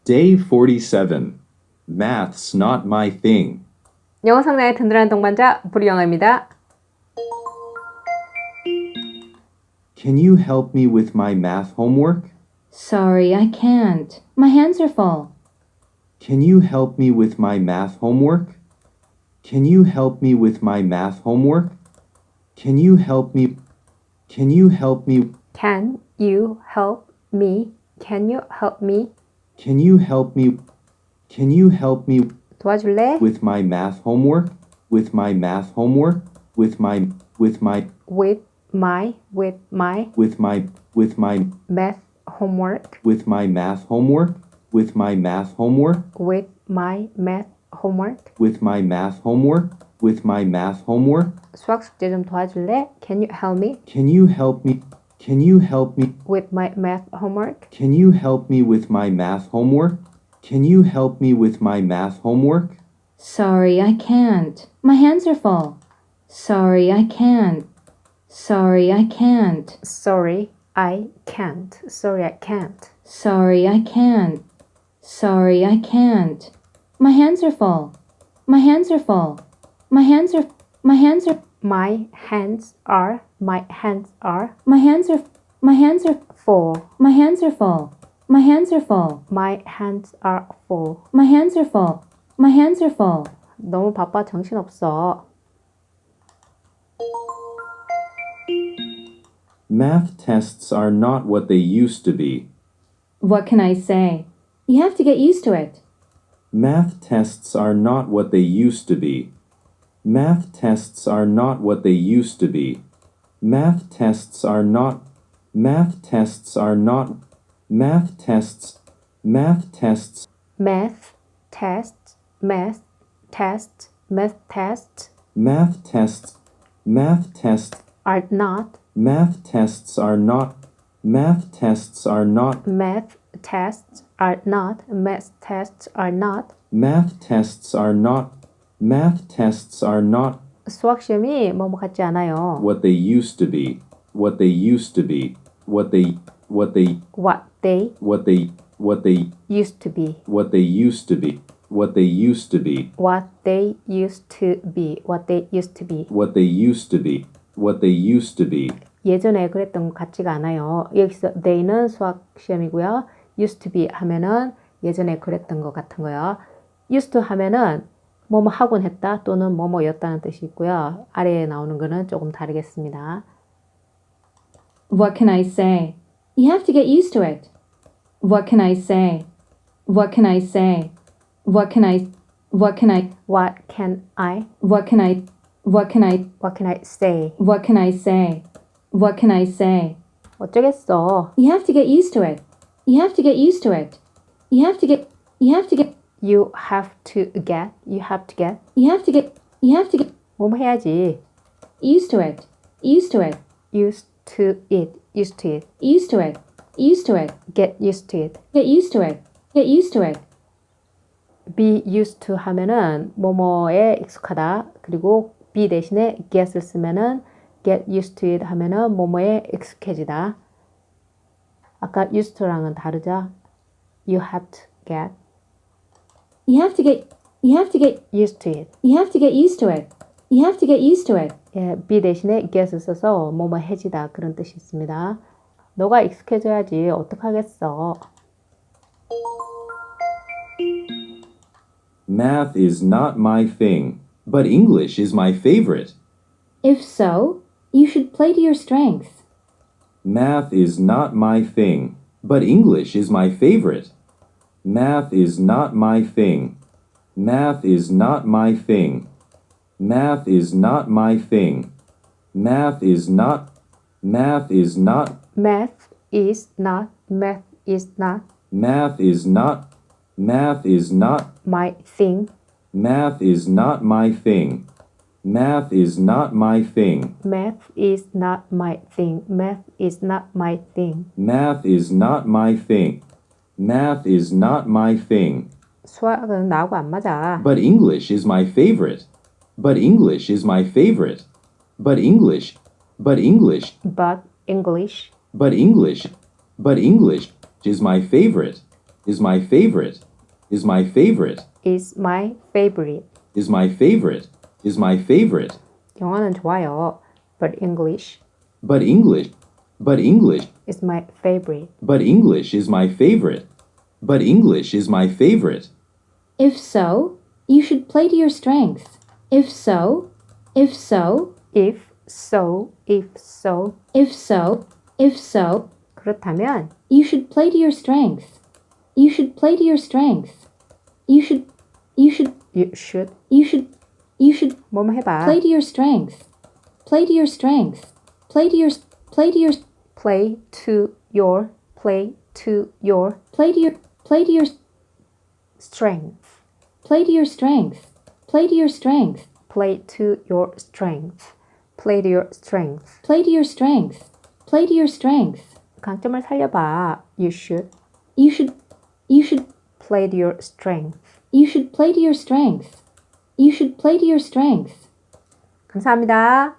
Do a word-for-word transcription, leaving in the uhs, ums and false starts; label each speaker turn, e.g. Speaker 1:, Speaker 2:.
Speaker 1: Day forty-seven. Math's not my thing.
Speaker 2: 영어 상당의 든든한 동반자 브리영어입니다.
Speaker 1: Can you help me with my math homework?
Speaker 3: Sorry, I can't. My hands are full.
Speaker 1: Can you help me with my math homework? Can you help me with my math homework? Can you help me? Can you help me?
Speaker 2: Can you help me? Can you help me?
Speaker 1: Can you help me? Can you help me
Speaker 2: 도와줄래?
Speaker 1: with my math homework? With my math homework? With my with my
Speaker 2: With my with my
Speaker 1: with my with my
Speaker 2: math homework.
Speaker 1: with my math homework? With my math homework?
Speaker 2: With my math homework.
Speaker 1: With my math homework? With my math homework?
Speaker 2: 수학 숙제 좀 도와줄래? Can you help me
Speaker 1: Can you help me? Can you help me?
Speaker 2: with my math homework?
Speaker 1: Can you help me with my math homework? Can you help me with my math homework?
Speaker 3: Sorry, I can't. My hands are full. Sorry, I can't. Sorry, I can't.
Speaker 2: Sorry, I can't. Sorry, I can't.
Speaker 3: Sorry, I can't. Sorry, I can't. My hands are full. My hands are full. My hands are my hands are
Speaker 2: My hands are my hands are
Speaker 3: my hands are my hands are
Speaker 2: full.
Speaker 3: my hands are full. My hands are full.
Speaker 2: My hands are full.
Speaker 3: My hands are full. My hands are full.
Speaker 2: 너무 바빠 정신없어.
Speaker 1: Math tests are not what they used to be.
Speaker 3: What can I say? You have to get used to it.
Speaker 1: Math tests are not what they used to be. Math tests are not what they used to be. Math tests are not. Math tests are not. Math tests. Math tests.
Speaker 2: Math test, math test, math test
Speaker 1: Math tests. Math tests.
Speaker 2: are not
Speaker 1: Math tests are not. Math tests are not.
Speaker 2: math tests are not math tests are not
Speaker 1: Math tests are not. Math tests are not
Speaker 2: 수학 시험이 뭐뭐 같지 않아요.
Speaker 1: what they used to be. What they used to be. What they. What they.
Speaker 2: What they
Speaker 1: What they. What they.
Speaker 2: used to be.
Speaker 1: What they used to be. What they used to be.
Speaker 2: What they used to be. What they used to be.
Speaker 1: What they used to be. What they used to be.
Speaker 2: 예전에 그랬던 것 같지가 않아요. 여기서 they는 수학 시험이고요. used to be 하면은 예전에 그랬던 것 같은 거요. used to 하면은 뭐뭐 하곤 했다 또는 뭐뭐였다는 뜻이 있고요. 아래에 나오는 거는 조금 다르겠습니다.
Speaker 3: What can I say? You have to get used to it. What can I say? What can I say? What can I What can I
Speaker 2: What can I?
Speaker 3: What can I What can I
Speaker 2: What can I say?
Speaker 3: What can I say? What can I say?
Speaker 2: 어쩌겠어.
Speaker 3: You have to get used to it. You have to get used to it. You have to get You have to get
Speaker 2: You have to get. You have to get.
Speaker 3: You have to get You have to get
Speaker 2: 뭐뭐 해야지.
Speaker 3: used to it. Used to it.
Speaker 2: Used to it. Used to it.
Speaker 3: Used to it. Used to it.
Speaker 2: Get used to it.
Speaker 3: Get used to it. Get used to it.
Speaker 2: be used to 하면은 뭐뭐에 익숙하다. 그리고 be 대신에 get을 쓰면은 get used to it 하면은 뭐뭐에 익숙해지다. 아까 used to랑은 다르죠? You have to get
Speaker 3: You have to get You have to get
Speaker 2: used to it.
Speaker 3: You have to get used to it. You have to get used to it.
Speaker 2: 예, be 대신에 get을 써서 뭐뭐 해지다 그런 뜻이 있습니다. 너가 익숙해져야지 어떡하겠어.
Speaker 1: Math is not my thing, but English is my favorite.
Speaker 3: If so, you should play to your strengths.
Speaker 1: Math is not my thing, but English is my favorite. Math is not my thing. Math is not my thing. Math is not my thing. Math is not. Math is not.
Speaker 2: Math is not. Math is not
Speaker 1: Math is not. Math is not.
Speaker 2: my thing.
Speaker 1: Math is not my thing. Math is not my thing.
Speaker 2: Math is not my thing. Math is not my thing.
Speaker 1: Math is not my thing. Math is not my thing.
Speaker 2: 수학은 나하고 안 맞아.
Speaker 1: But English is my favorite. But English is my favorite. But English. But English.
Speaker 2: But English.
Speaker 1: But English. But English is my favorite. is my favorite, is my favorite,
Speaker 2: is my favorite.
Speaker 1: is my favorite, is my favorite.
Speaker 2: 영어는 좋아요. But English
Speaker 1: But English, but English,
Speaker 2: is my favorite.
Speaker 1: but English is my favorite. But English is my favorite.
Speaker 3: If so, you should play to your strengths. If so, if so,
Speaker 2: If so, if so.
Speaker 3: if so, if so,
Speaker 2: 그렇다면
Speaker 3: you should play to your strengths. You should play to your strengths. You should, you should,
Speaker 2: you should
Speaker 3: you should, you should
Speaker 2: 뭐뭐 해봐.
Speaker 3: play to your strengths. Play to your strengths. Play to your, play to your,
Speaker 2: play to your play to your
Speaker 3: play to your, play to your,
Speaker 2: strength.
Speaker 3: play to your strengths. Play to your strengths.
Speaker 2: Play to your strength. Play to your strength.
Speaker 3: Play to your strengths. Play to your strengths.
Speaker 2: 강점을 살려봐. You should
Speaker 3: You should, you should,
Speaker 2: play to your strength.
Speaker 3: you should play to your strengths. You should play to your strengths.
Speaker 2: 감사합니다.